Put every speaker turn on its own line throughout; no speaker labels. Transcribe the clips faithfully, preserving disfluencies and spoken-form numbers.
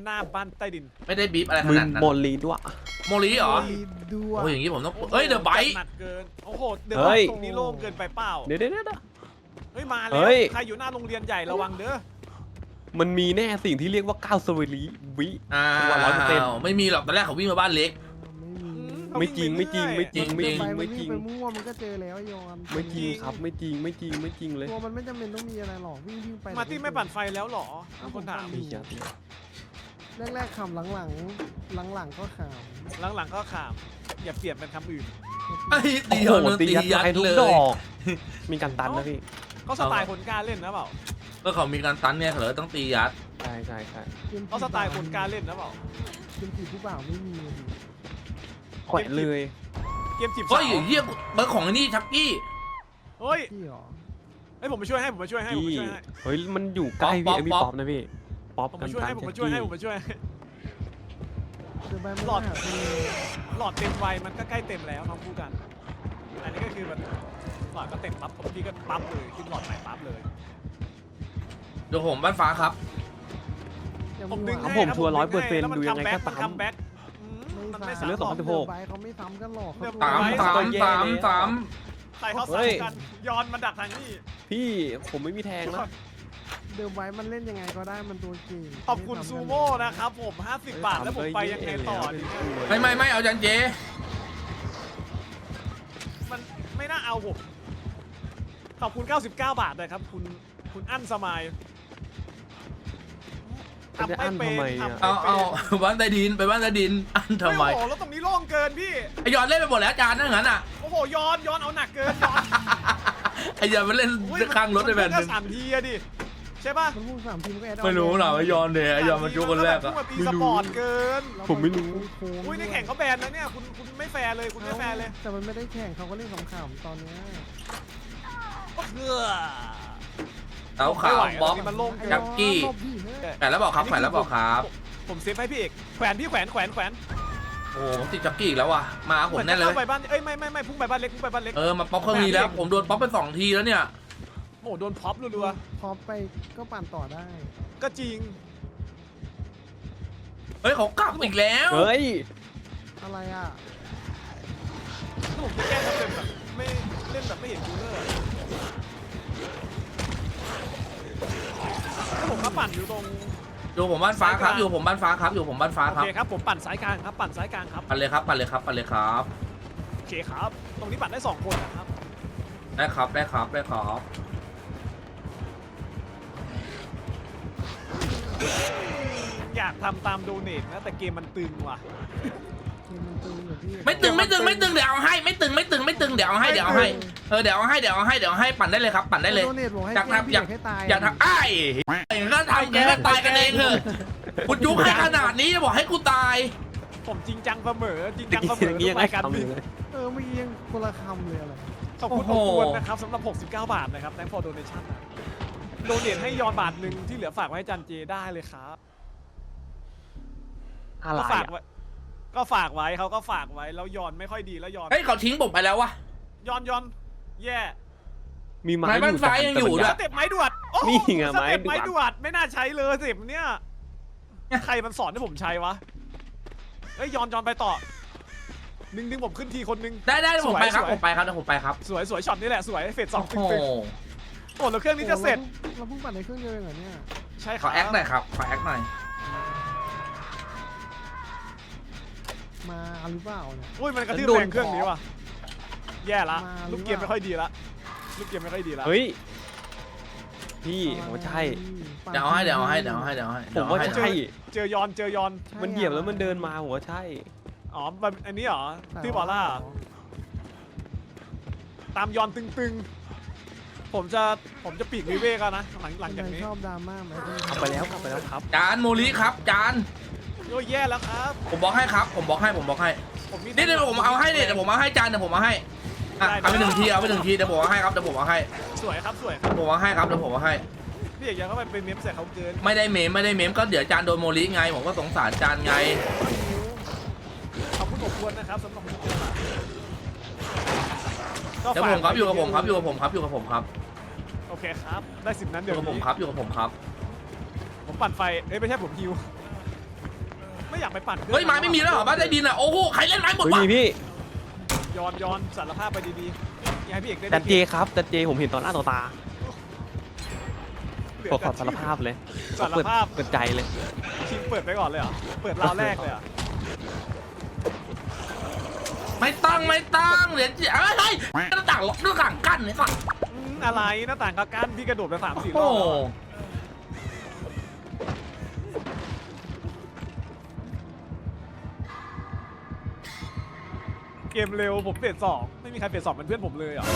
หน้าบ้านใต้ดิน
ไม่ได้บีบอะไรข
มึง
นาดนั้น
โมลีด้วย
โมลีเหรอ
ด้วย
โอ้ยอย่างนี้ผมต้องเฮ้ยเดอะไบค์
หนักเกินโอ้โหเดอะ
เฮ้
ไบ
ย
ค์ตรงนี้โล่งเกินไปเปล่า
เดี๋ยวเดี๋ยวเดี๋ยว
เฮ้ยมาแล้
เฮ้
วย ใครอยู่หน้าโรงเรียนใหญ่ระวังเด้อ
มันมีแน่สิ่งที่เรียกว่าก้าวสวรีวิ
อ้า
ตัวร้อยเปอร์เซ็นต์
วไม่มีหรอกตอนแรกเขาวิ่งมาบ้านเล็ก
ไม่มี
ไม่จริงไม่จริงไม่จริงไม่จริง
ไป
ไม่
ไม่
จ
จ
ริ
ริ
ง
งไปมั่วมันก็เจอแล้วยอน
ไม่จริงครับไม่จริงไม่จริงไม่จริงเลย
ตัวมันไม่จำเป็นต้องมีอะไรหรอกวิ่งวิ่งไป
มาร์ตี้ไม่ปั่นไฟแล้วเหรอมีคนถาม
มีครับ
แรกๆขำหลังๆหลังๆก็ข
หลังๆก็ขามอย่าเปลี่ยนเป็นคำอื่น
ไอ้
ำ
ตี
โอ้
ย
โห
อน
ตี
ตี
ยัด
ยัด
ไปทุก
เล
ด
ย
อก มีการตันนะพี่
เขาสไตล์คนกล้าเล่นนะเปล่า
ก็เขามีการตันเนี่ยเขาเลยต้องตียัด
ใช่ใช่ใช่
เขาสไตล์คนกล้าเล่นนะเปล่า
เกมจีบผู้บ่าวไม่มีเลย
แขวนเลย
เกมจีบ
เฮ้
สา
ยว เฮียเบอร์ของไอ้นี่ชักกี้
เฮ้ย
พี่หรอ
เฮ้ยผมมาช่วยให้ผมมาช่วยให้ผม
พี่
มาช่วยให้
เฮ้ยมันอยู่ใกล้พี่ไอพี่ป๊อปนะพี่ป๊อป
ผม
กั
มาน ช่วย
ตั
ให้
น
ผม
แจ็
มา
ค
ช่วยให้
กี้
ผมมาช่วยให้
เจอใบมัน
หลอด
หาคือ
หลอดเต็มไวมันก็ใกล้เต็มแล้วทั้งคู่กัน อันนี้ก็คือมันหลอดก็เต็มปั๊บผมพี่ก็ปั๊บเลยขึ้นหลอดใหม่ปั๊บเลย
เดี๋ยวผมบ้านฟ้าครับ
ผมดึง
ครับ
ให้
ผม
นะ
ชัวร์
ดึ
ร้อยเปอร์เซ็นต์
ให้
ดูยังไงก็
มัน
ตา
คั
ม
มแบ็กมันไม่
ไม่
ซ้ำ
เลือกสองพันสิบหก
ใบเขาไม่ซ้ำกันหรอกเขา
สามสามสามสาม
ใส่เขา
เฮ้ย
ซ้ำกันย้อนมันดักทางนี้
พี่ผมไม่มีแทงนะ
เดิมไว้มันเล่นยังไงก็ได้มันตัวเก่ง
ขอบคุณซูโม่นะครับผมห้าสิบบาทแล้วผมไปยังไงต่อดีเนี่ย
ไม่ไม่ไม่เอาจันเจ
มันไม่น่าเอาผมขอบคุณเก้าสิบเก้าบาทเลยครับคุณคุณอั้นสมัย
จะได้อั้นทำไมอ่ะ
เอาเอาบ้านใต้ดินไปบ้านใต้ดินอันทำไม
โอ้โหแล้วตรงนี้โล่งเกินพี่
ไอยอนเล่นไปหมดแล้วจานนั่นงั้นอ่ะ
โอ้โหย้อนย้อนเอาหนักเกินย้อน
ไอยอนมันเล่น
อุ๊ย
ข้างรถไปแบบ
มัน
นึง
ก็สามทีอะดิใช่ป่ะ
มันพุ่งสามทีมก็แอด
ไม่รู้หรอกไอยอนเนี่ยไอยอนมันจุกคนแรกอะ
มันตีสปอร์ตเกิน
ผมไม่รู้
อุ้ยในแข่งเขาแบนนะเนี่ยคุณคุณไม่แฟร์เลยคุณไม่แฟร์เลย
แต่มันไม่ได้แข่งเขาก็เล่นขำๆตอนเนี้ย
เพื่อ
เต้าขาวบล็อก
มันโล่ง
ไอ้
จักกี้
รอบพี่เฮ้ย
แขวนแล้วบอกครับแขวนแล้วบอกครับ
ผมเซฟให้พี่เอกแขวนพี่แขวนแขวนแขวน
โอ้โหผมติดจักกี้อีกแล้วว่ะมาหาผมแน่เลย
หมือจะข้าไปบ้านเอ้ยไม่ไม่ไม่พุ่งไปบ้านเล็กพุ่งไปบ้านเล็ก
เออมาป๊อปเครื่องนี้แล้วผมโดนป๊อปไปสองทีแล้วเนี่ย
โอ้โหโดนพ็อปรัว
พอไปก็ปั่นต่อได้
ๆก็จริง
เฮ้ยเขากลับอีกแล้ว
เฮ้ย
อะไรอ่ะ
ถ้าผมจะแก้ทำเป็นแบบไม่เล่นแบบไม่เห็นคูลเลอร์อะถ้าผมมาปั่นอยู่ตรง
อยู่ผมบ้านฟ้าครับอยู่ผมบ้านฟ้าครับอยู่ผมบ้านฟ้า
โอ
ครับ
เคครับผมปั่นสายกลางครับปั่นสายกลางครับ
ปันเลยครับปันเลยครับปันเลยครับ
โอเคครับ ตรงนี้ปั่นได้สองคนนะครับ
ได้ครับได้ครับได้ครับ
อยากทำตามโดเนทนะแต่เกมมันตึงว่ะ
ทีมมันตึงอยู่พี่
ไม่ตึงไม่ตึงไม่ตึงเดี๋ยวเอาให้ไม่ตึงไม่ตึงไม่ตึงเดี๋ยวเอาให้เดี๋ยวเอาให้เออเดี๋ยวเอาให้เดี๋ยวเอาให้เดี๋ยวเอาให้ปั่นได้เลยครับปั่นได้เลย
โดเนทบอกให้
อยาก
แกล้ง
ทำ
พี่
อยาก
ให้ตาย
อย่าทำไอ้อย่างนั้นทำอย่างนั้นตายกันเองเถอะคุณยุให้ขนาดนี้จะบอกให้กูตาย
ผมจริงจังเสมอจริง
ตะ
จัง
กี้
เสมอ
ตะกี้ยัง
ทุ
ไง
รายการ
ทำ
บิน
เลย
เออเมื่อกี้ยังคนละคำเลยอะไร
ขอบคุณ
โอ้
อบ
โห
อวนนะครับสำหรับหกสิบเก้าบาทนะครับ thank for donation นะโดเนทให้ยอนบาทหนึ่งที่เหลือฝากไว้ให้จันเจได้เลยครับ
อะไร
ก็ฝาก
อ่ะ
ไว้ก็ฝากไว้เขาก็ฝากไว้แล้วยอนไม่ค่อยดีแล้วยอน
เฮ้ยเขาทิ้งผมไปแล้ววะ
ยอนยอนแย่
มีไม้
ไม้บ้านฟ้ายังอยู่ด้วย
สเต็ปไม้ดวดโอ้โห
นี่ไง
สเต็ป
ไม้
ไม้
ด
ด
ว
ว
ด
ดไม่น่าใช้เลยสิบเนี่ยใครมันสอนให้ผมใช้วะเอ้ยยอนยอนไปต่อดึงดึงผมขึ้นทีคนนึง
ได้ได้ผมไปครับ
สวย
ผมไปครับเดี๋ยวผมไปครับ
สวยสวยช็อตนี้แหละสวยเฟสสอง
โอ้
ตึง
โห
ๆโอ้แล้วเครื่องนี้จะเสร็จ
เราเพิ่งปั่นในเครื่องเดียวเองเหรอเนี่ย
ใช่ค
ข
รั
อบ แอคหน่อยครับขอแอคหน่อย
มาหรือเปล่าเนี่ย
อุ้ยมันกระทืบ
โดน
แรงเครื่องนี้ว่ะแย่ละ
มาหรือ
ลูกเกมไม่ค่อยดีละลูกเกมไม่ค่อยดีละ
เฮ้ยพี่ผมว่าใช่
เดี๋ยวเอาให้เดี๋ยวเอาให้เดี๋ยวเอาให้เดี๋ยวเอาให้
ผมว่า
เดี๋ยเอให้
ใช่
เจอยอนเจอยอน
มันเหยียบแล้วมันเดินมาผมว่าใช่
อ๋อมันอันนี้เหรอที่บอลล่าเหรอตามยอนตึงๆ ผมจะผมจะปีกวิเวกแล้วนะหลังหลังจากนี้
ชอบดราม่าไหม
กลับไปแล้วกลับไปแล้วครับ
จานโมลิครับจาน
โอ้ยแย่แล้วครับ
ผมบอกให้ครับ ผมบอกให้ผมบอกให้
ผมมี
นี่เดี๋ยวผมเอาให้เนี่ยเดี๋ยวผมเอาให้จานเดี๋ยวผมเอาให้อ่ะเอาไปหนึ่งทีเอาไปหนึ่งทีเดี๋ยวผมเอาให้ครับเดี๋ยวผมเอาให้
สวยครับสวยครับ
ผมเอาให้ครับเดี๋ยวผมเอาให้
พี่เอกยังเข้าไปเป็นเมมใส่เขาเกิน
ไม่ได้เมมไม่ได้เมมก็เดี๋ยวจานโดนโมลิไงผมก็สงสารจานไง
ขอบคุณอบอวนนะครับสำหรับทุกคน
เดี๋ยวผมครับอยู่กับผมครับอยู่กับผมครับอยู่กับผมครับ
โอเคครับได้สิบนั้น
อ
เดี๋ย
ยู่
ว
กับผม
นี้
ครับอยู่กับผมครับ
ผมปั่นไฟเอ้ยไม่ใช่ผมฮิวไม่อยากไปปั่นครื่อง
เฮ้ยไม้ไม่มีแล้วเหรอบ้านใต้ดินอ่ะโอ้โหใครเล่นไม้หมด
เฮ้ยว
ะ
มีพี่
ย้อนย้อนสารภาพไปดีๆอย่าให้พี่เอกได้
จันเจครับจันเจผมเห็นตอนหน้าต่อตา
เหลื
ขอขอสารภาพเลย
สาร
เปิด
ภาพ
เปิดใจเลย
ชิงเปิดไปก่อนเลยเหรอเปิดราวแรกเลยเหรอ
ไม่ต้องไม่ต้องเดี๋ยวเอ้ยเฮ้ยหน้าต่างล็อกหน้าต่างกั้นเนี่ยสัตว์
อืมอะไรหน้าต่างกากันพี่กระโดดไปสามสี่ร
โอ้
อบ
โห
แล้วเกมเร็วผมเฟสสองไม่มีใครเฟสสองเป็นเพื่อนผมเลยเหรอ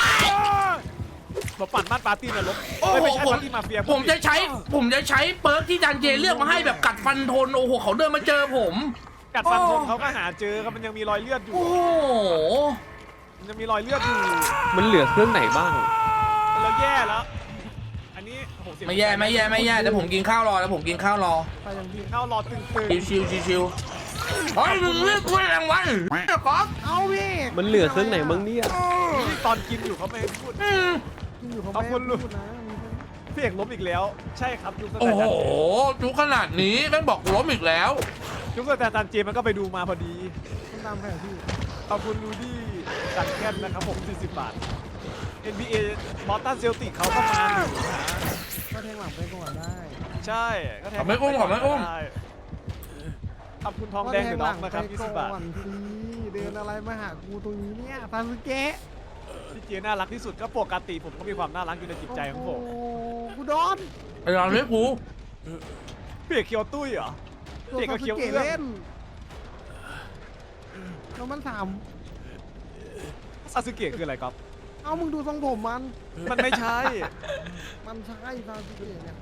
มาปั่นบ้านปาร์ตี้นรก
โอ้
เอ้ย
โห
ไม่ใช่
ผม
ปาร์ตี้มาเฟีย
ผมจะใช้ผมจะใช้เปิร์กที่จันเจเลือกมาให้แบบกัดฟันทนโอ้โหเขาเดินมาเจอผม
กัดฟัน
โอ้
คนเขาก็หาเจอครับมันยังมีรอยเลือดอยู่
โอ้โห
มันยังมีรอยเลือดอยู่
มันเหลือเครื่องไหนบ้าง
เราแย่แล้ว อันนี้โอ้โหเสียง
ไม่แย่ไม่แย่ไม่แย่แต่ผมกินข้าวรอแล้วผมกินข้าวรอ
ไปอย่างที่
เข้ารอตึง
ชิวชิวชิวชิวเฮ้ยมึงเลือกกูรางวัลก๊อฟ
เอาพี่
มันเหลือเครื่องไหนบ้างเนี่ย
ๆนี่ตอนกินอยู่เขาไม่ให้พูด
อืม
กินอยู่เขา
เอา
ไม่
คุณลูก
พูดนะมีคน
พี่เอกล้มอีกแล้ว ใช่ครับยุคส
โอ้
แตน
โห
ดาร์ด
จุกขนาดนี้แม่งบอกล้มอีกแล้ว
ยุคสแตนดาร์ดเจมันก็ไปดูมาพอดี
คนตามแผนที่
ขอบคุณลูดี้ดักแคทนะครับผมสี่สิบบาท เอ็น บี เอ บอสตันเซลติกเขาก็มาอยู่นะ
ก็แทงหลังไปก่อนได้
ใช่ก็แทง
ขอบไม่อุ้มขอบไม่อุ้ม
ด้ขอบคุณทองแดงหรือน้องนะครับยี่สิบบาท
ก่อนสิเดินอะไรมาหากูตรงนี้เนี่ยซาสึเกะ
พี่เจน่ารักที่สุดก็ปกติผมก็มีความน่ารักอยู่ในจิตใจของผม
โอ้กูโดน
ไอ้เราเรียกกู
พี่เอกเคียวตุ้ยเหรอ
ตัว
เด็กก็
ซาสึ
เคี้ยว
เกะ
เอื้อง
เล่นแล้วมันถาม
ซาสึเกะคืออะไรครับ
เอามึงดูทรงผมมัน
มันไม่ใช่
มันใช่ซาสึเกะเนี่ย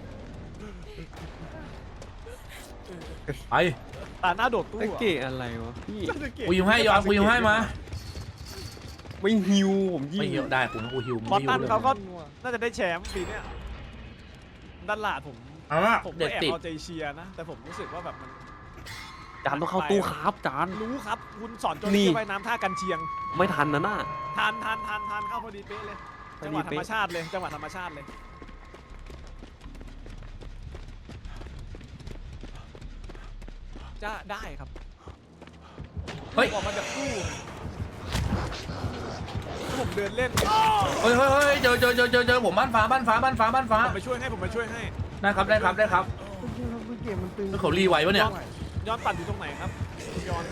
ไป
ตาหน้าโดดตู้
ตะ
อะ
เกะอะไรวะพี่
ซาสึเกะ
กูยิงให้ยอมกูยิงให้มา
ไม่ฮิวผมยิง
ไม่หิวได้กูกูหิวมึง
บอส
หิ
ตั
วน เลย
เขาก็น่าจะได้แชมป์ปีเนี้ยด้านหลาดผม
เอาละ
ผมก็
เด็ด
แอบ
ติด
เอาใจเชียร์นะ แต่ผมรู้สึกว่าแบบมัน
จานต้องเข้าตู้ครับจาน
รู้ครับ คุณสอนโจน
นี่
ที่ว่ายน้ำท่ากันเชียง
ไม่ทันนะน่ะ
ทานทานทานทานเข้าพอดีเป๊ะเลย
พอ
จัง
ดี
หวะธร
เป๊ะ
รมชาติเลย จังหวะธรรมชาติเลย จะได้ครับ
เฮ้ย
ออกมาจากตู้ผมเดินเล่น
เฮ้ยเฮ้ยเฮ้ยเจอเจอเจอเจอเจอผมบ้านฟ้าบ้านฟ้าบ้านฟ้าบ้านฟ้า
ผมไปช่วยให้ผมไปช่วยให้
ได้ครับได้ครับได้ครับ
จริงๆซาสึเกะมันตึง
แล้วเขารีไว้ปะเนี่ย
ย้อนปั่นอยู่ตรงไหนครับคุณย้อน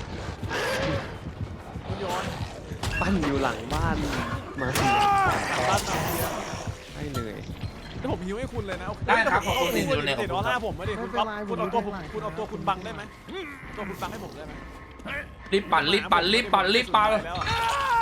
คุณย้อน
ปั้นอยู่หลังบ้านมาสิ
บ้านมาเฟีย
ได้เลย
แล้วผมฮิวให้คุณเลยนะ
ได้ครับขอบคุณ
เา
ที่อยู่ใน
เด็ดออร่าผมไม่ได้คุณก๊อฟคุณเอาตัวผม
ไม่เป็นไร
คุณเอาตัวคุณบังได้ไหมตัวคุณบังให้ผมได้ไหม
รีบปั่นรีบปั่นรีบปั่นรีบปั่น
แล้วอะ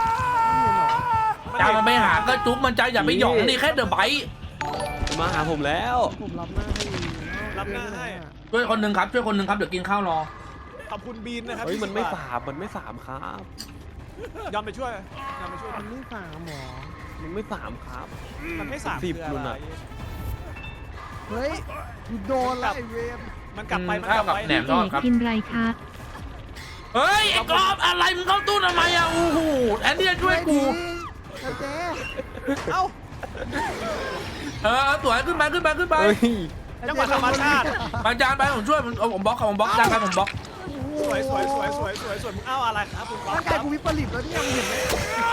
จามันไปหาก็จุ๊บมันใจอย่าไปหยองนี่แค่เดอะไบต์
มาหาผมแล้ว
ผมรับหน้าให้
รับหน้าให้
ช่วยคนหนึ่งครับช่วยคนหนึ่งครับเดี๋ยวกินข้าวรอ
ขอบคุณบีนนะครับ
เฮ้ยมันไม่
ยี่สิบบ
สามมันไม่สามครับ
ยอมไปช่วยยอมไปช่วย
มันไม่สามหรอ
มันไม่สามครับ
มันไม่สาม
สิบ
คือ
นู่
อะ
น
ไร
น่ะ
เฮ้ยกูโดนแล้วไอ้เวร
มันกลับไปมัน
ข้าก ว
ลับ
กับ
ไป
แหนมทอดครับ
พิมพ์ไรคะ
เฮ้ยไอ้กรอบอะไรมึงเข้าตู้ทำไมอ่ะโอ้โหแอนดี้จะช่วยกู
เจ๊เจ๊
เอ้า
เออสวยขึ้นไปขึ้นไปขึ้นไป
เฮ้ย
จังหวะธรรมชาติ
บางจานไปผมช่วยผมเอาผมบล็อกครับผมบล็อกจานไปผมบล็อก
สวยสวยสวยสวยสวยสวยมึงเอาอะไรครับคุณก๊อฟ
ร่างกายกูวิปริตแล้วเนี่ยมึงเห็นไหม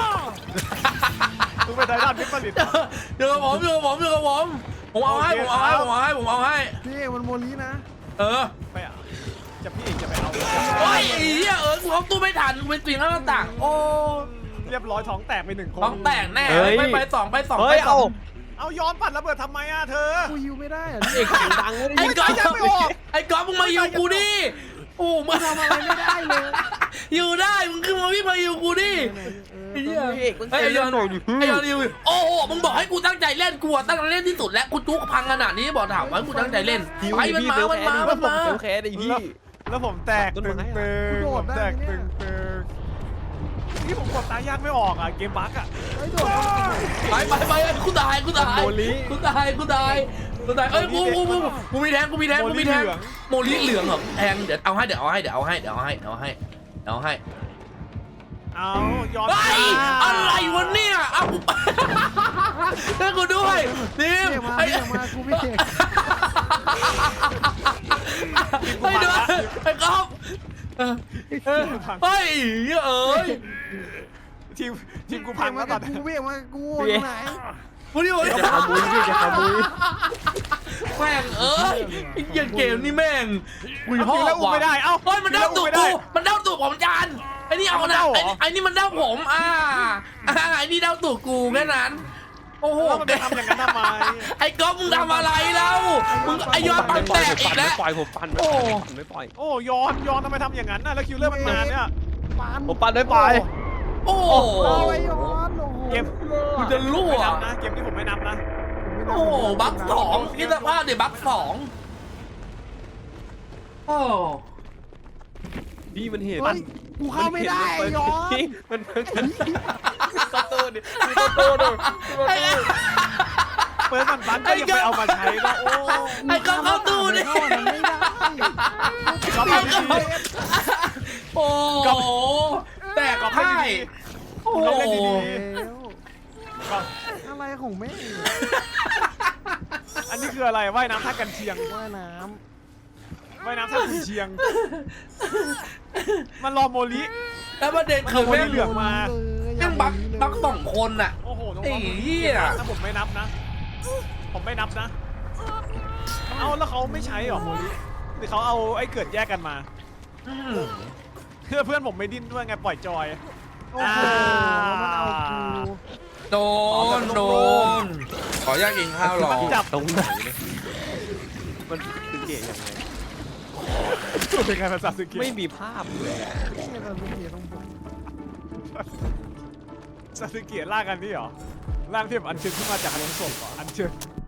มึงเป็นไททันวิปริตเหรอ
เดี๋ยวกับผมเดี๋ยวกับผมเดี๋ยวกับผมผมเอาให้ผมเอาให้ผมเอาให้ผมเอาให้
พี่มันโมลีนะ
เออ
ไปอ่ะจะพี่เอกจะไปเอา
โอ้ยไอ้เหี้ยเออกูเอาตู้ไม่ทันกูเป็นปีนหน้าต่างโอ้
เรียบร้อยท้องแตกไปหนึ่งคน
ต้องแตกแน่ไปไปสองไปสอง
เฮ้
ไป
ย
สอ
เอา
ง
เอาย้อนปัดระเบิดทำไมอ่ะเธอ
กูฮิวไม่ได้อะ
เอกเสียงดังเลย
ไอ้ก๊อฟ
ยังไม่ออก
ไอ้ก๊อฟมึงมาอยู่กูดิโอ้มึง
ทำอะไรไม่ได้เลย
อยู่ได้มึงขึ้นมาวิ่งมาอยู่กูดิไอ้เหี้ย
เอกมัน
ไอ้
เสียง
ย
ดั
อง น
หน่อยดิ
ไอ้ยอนอยู่โอ้โหมึงบอกให้กูตั้งใจเล่นกูอะตั้งใจเล่นที่สุดแล้วกูจุกพังขนาดนี้บอกถามว่ากูตั้งใจเล่นไปมันมามันมามันมา
เซลแคร์ดิพี่
แล้วผมแตกตึงตึงผมแตกตึงตึงนี่ผมกดตายากไม่ออกอ่ะเกมบั๊กอ่ะ
ไอ้โดดเข้ามา
ไปไปไปกูตายกูตายกูตายกูตายกูตายเอ้ยกูกูกูกูมีแทงกูมีแทงกูมีแทงโมลิเหลืองเหรอแทงเดี๋ยวเอาให้เดี๋ยวเอาให้เดี๋ยวเอาให้เดี๋ยวเอาให้เดี๋ยวเอาให้เดี๋ยวเอาให้
เอาย้อน
เฮ้ยอะไรวะเนี่ยเอาให้กูด้วยดิ
เรียก
ม
มา
ไอ้
เรียกมากูไม่เห็น
เฮ้ยเดี๋ยวไอ้ก๊อฟเออเออเฮ้ยเอ้ย
ทีมทีมกู
เพี
พั
ย
ง
ง
แล้
มาว
ต
กั
อบ น
กู
นี้
เพียงมากับกูอยู่ไหน
วันนี้วันนี้
จะขโมยพี่จะขโมย
แม่งเอ้ยไอ้เกียเกมนี่แม่งคุย
เอา
พ่อ
ทีมแล้วอุ้ม
ว่ะ
ไม่ได้เอ้า
เฮ้ยมันเด้าตูด
ไม่ได้
กูมันเด้าตูดผมจานไอ้นี่เอา
มัน
นะ
เด้าเหรอ
ไอ้ไอ้นี่มันเด้าผมอ่าอ่าไอ้นี่เด้าตูดกูแค่นั้นโอ้โห
แล้วมันไปทำอย่างนั้นทำไม
ไอ้ก๊อฟมึงทำอะไรแล้วมึงไอ้ยอดปันแตกอีกแล้ว
ปล่อยผมปั่น
โอ้
ไม่ปล่อย
โอ้ยอนยอนทำไมทำอย่างนั้นน่ะแล้วคิวเลอร์มันนานเนี่ย
ปาน
ผมปั่นไม่ปล่อย
โอ้โห
เอาไอ้ย้อนโอ้โห
เกม
กูจะรั่ว
ไม่นับนะเกมนี้ผมไม่นับนะ
โอ้โหบัคสองคิดสภาพเดี๋ยวบัคสองโอ้
พี่มันเห็น
เฮ้ยกูเข้าไม่ได้ไอ้ย้อน
มันมันประตูดิประตูดิ
เปิดมันบันก็ยังไปเอามาใช้นะโอ้
ไอ้ก๊อฟเข้าตู้ดิ
เข้ามันไม่ได้
ก็
ไอ้
ทำ
ก๊อ
ดี
ฟโอ้โหแตก
ก็
ไพ่
ให้ดี
โอ้โห
เราเล่นดี
แล้ว
ก็
อะไรของแม่ง
อันนี้คืออะไรว่ายน้ำท่ากันเชียง
ว่ายน้
ว่ายน้ำท่าคุณเชียง มันรอโมลิ
แล้วประเด็นคือแม่ง
เหลืองมา
แม่งบักบักสองคนน่ะ
โอ้โหน้อง
ไอ้
ๆ
เหี้ย
ถ้าผมไม่นับนะ ผมไม่นับนะ เอาแล้วเขาไม่ใช้หรอโมลิหรือเขาเอาไอ้เกิดแยกกันมา
อืม
เพื่อเพื่อนผมไม่ดิ้นด้วยไงปล่อยจอย
ำโอ้โหมันเอากู
โดนโดนขออยากกินข้าวรอ
จับ
ตรงไหนเนี่ยมันคือเกะยังไง
เป็นไงภาษาสกิ
ไม่มีภาพเลย
เนี่ยเราเป็นเกียร์ต้องผม
ซาสึเกะล่างอันนี้เหรอล่างที่แบบอันเชิญขึ้นมาจากอารมณ์ศพเหรออันเชิญ